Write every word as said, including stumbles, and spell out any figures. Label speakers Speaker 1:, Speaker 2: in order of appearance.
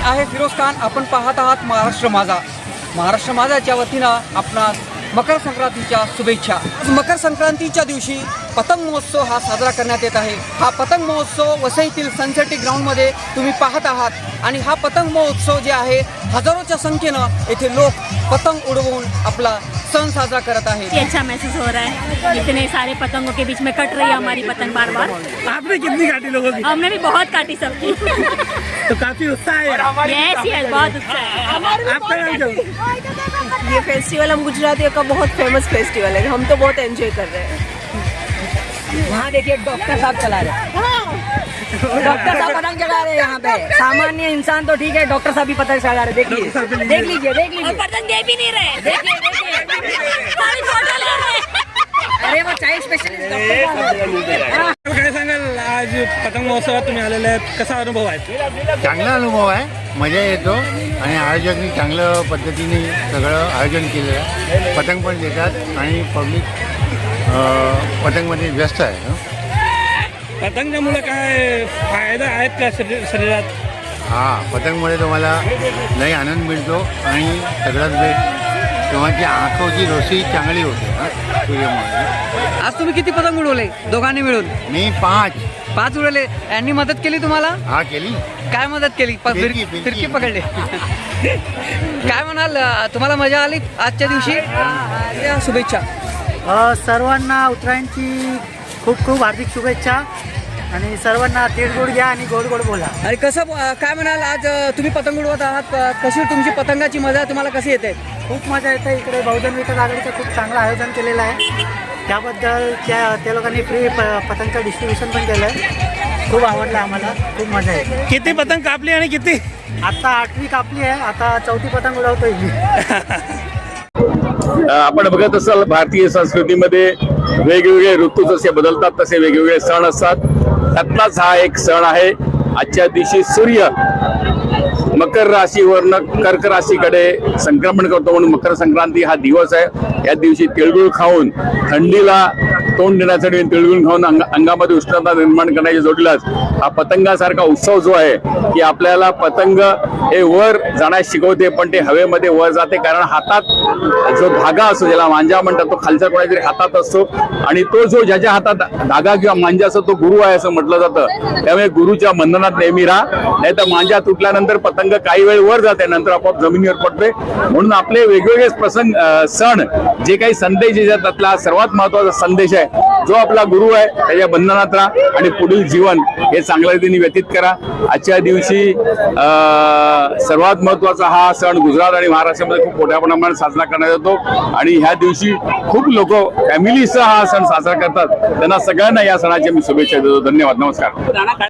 Speaker 1: आहे फिरोज खान. आपण पाहत आहात महाराष्ट्र माझा. महाराष्ट्र माझाच्या वतीनं आपणास मकर संक्रांतीच्या शुभेच्छा. आज मकर संक्रांतीच्या दिवशी पतंग महोत्सव हा साजरा करण्यात येत आहे. हा पतंग महोत्सव वसईतील सनसिटी ग्राउंडमध्ये तुम्ही पाहत आहात आणि हा पतंग महोत्सव जे आहे हजारोच्या संख्येनं येथे लोक पतंग उडवून आपला सन साजरा करत आहेत.
Speaker 2: अच्छा महसूस हो रहा है, इतने सारे पतंगों के बीच में कट रही है हमारी पतंग बार बार.
Speaker 3: आपने कितनी काटी लोगों की?
Speaker 2: हमने भी बहुत काटी सबकी.
Speaker 3: तो काफी उत्साह है.
Speaker 2: यस यस बहुत उत्साह है.
Speaker 3: आपका नाम क्या है?
Speaker 4: ये फेस्टिवल हम गुजरातियों का बहुत फेमस फेस्टिवल है, हम तो बहुत एंजॉय कर रहे हैं.
Speaker 1: वहाँ देखिए डॉक्टर साहब चला रहे हैं. डॉक्टर साहब पतंग चला रहे हैं यहाँ पे. सामान्य इंसान तो ठीक है, डॉक्टर साहब भी पतंग चला रहे. देखिए देख लीजिए देख लीजिए.
Speaker 2: और पतंग दे भी नहीं रहे.
Speaker 1: देखिए देखिए
Speaker 2: सारी फोटो ले रहे हैं.
Speaker 1: अरे वो चाय स्पेशलिस्ट डॉक्टर.
Speaker 3: काय सांगाल, आज पतंग महोत्सवात तुम्ही आलेले आहेत, कसा अनुभव आहे?
Speaker 5: चांगला अनुभव आहे, मजा येतो आणि आयोजकांनी चांगलं पद्धतीने सगळं आयोजन केलेलं आहे. पतंग पण देतात आणि पब्लिक पतंगमध्ये व्यस्त आहे.
Speaker 3: पतंगामुळे काय फायदा आहेत का शरीर शरीरात?
Speaker 5: हां, पतंगमुळे तुम्हाला लई आनंद मिळतो आणि सगळ्यात बेस्ट तेव्हाची आंखोची रोषी चांगली होते. हां, सूर्यामुळे.
Speaker 1: आज तुम्ही किती पतंग उडवले दोघांनी मिळून?
Speaker 5: मी पाच
Speaker 1: पाच उडवले. यांनी मदत केली तुम्हाला?
Speaker 5: हा केली.
Speaker 1: काय मदत केली? प-
Speaker 5: फिरकी,
Speaker 1: फिर-
Speaker 5: फिरकी.
Speaker 1: फिरकी पकडले. काय म्हणाल, तुम्हाला मजा आली आजच्या दिवशी? या शुभेच्छा.
Speaker 6: अ, सर्वांना उत्तरायणची खूप खूप हार्दिक शुभेच्छा आणि सर्वांना तिळगुळ घ्या आणि गोड गोड बोला.
Speaker 1: आणि कसं अ, काय म्हणाल, आज अ, तुम्ही पतंग उडवत आहात, अ, कशी तुमची पतंगाची मजा तुम्हाला कशी येते?
Speaker 6: खूप मजा येते. इकडे बहुजन विकास आघाडीचं खूप चांगलं आयोजन केलेलं आहे. त्याबद्दल त्या त्या लोकांनी फ्री प पतंगचं डिस्ट्रीब्युशन पण केलं आहे. खूप आवडलं आम्हाला, खूप मजा येते.
Speaker 3: किती पतंग कापली आणि किती?
Speaker 6: आता आठवी कापली आहे, आता चौथी पतंग उडवतोय मी.
Speaker 7: आपण बघत असाल, भारतीय संस्कृतीमध्ये वेगवेगळे ऋतू जसे बदलतात तसे वेगवेगळे सण असतात. त्यातलाच हा एक सण आहे. आजच्या दिवशी सूर्य मकर राशीवरनं कर्क राशीकडे संक्रमण करतो म्हणून मकर संक्रांती हा दिवस आहे. या दिवशी तिळगुळ खाऊन थंडीला तोंड देण्यासाठी तिळगुळ खाऊन अंग अंगामध्ये उष्णता निर्माण करण्याच्या जोडीलाच हा पतंगासारखा उत्सव जो आहे की आपल्याला पतंग हे वर जाण्यास शिकवते, पण ते हवेमध्ये वर जाते. कारण हातात जो धागा असतो, ज्याला मांजा म्हणतात, तो खालच्या कोणातरी हातात असतो आणि तो जो ज्याच्या हातात धागा किंवा मांजा असतो तो गुरु आहे असं म्हटलं जातं. त्यामुळे गुरुच्या बंधनात नेहमी राहा, नाही तर मांजा तुटल्यानंतर पतंग काही वेळ वर जाते, नंतर आपोआप जमिनीवर पडते. म्हणून आपले वेगवेगळे प्रसंग सण जे काही संदेश येतात, त्यातला सर्वात महत्वाचा संदेश आहे, जो आपला गुरु आहे त्याच्या बंधनात राहा आणि पुढील जीवन हे चांगल्या रीतीने व्यतीत करा. आजच्या दिवशी सर्वात महत्वाचा हा सण गुजरात आणि महाराष्ट्रामध्ये खूप मोठ्या प्रमाणात साजरा करण्यात येतो आणि ह्या दिवशी खूप लोक फॅमिलीसह हा सण साजरा करतात. त्यांना सगळ्यांना या सणाच्या मी शुभेच्छा देतो. धन्यवाद. नमस्कार.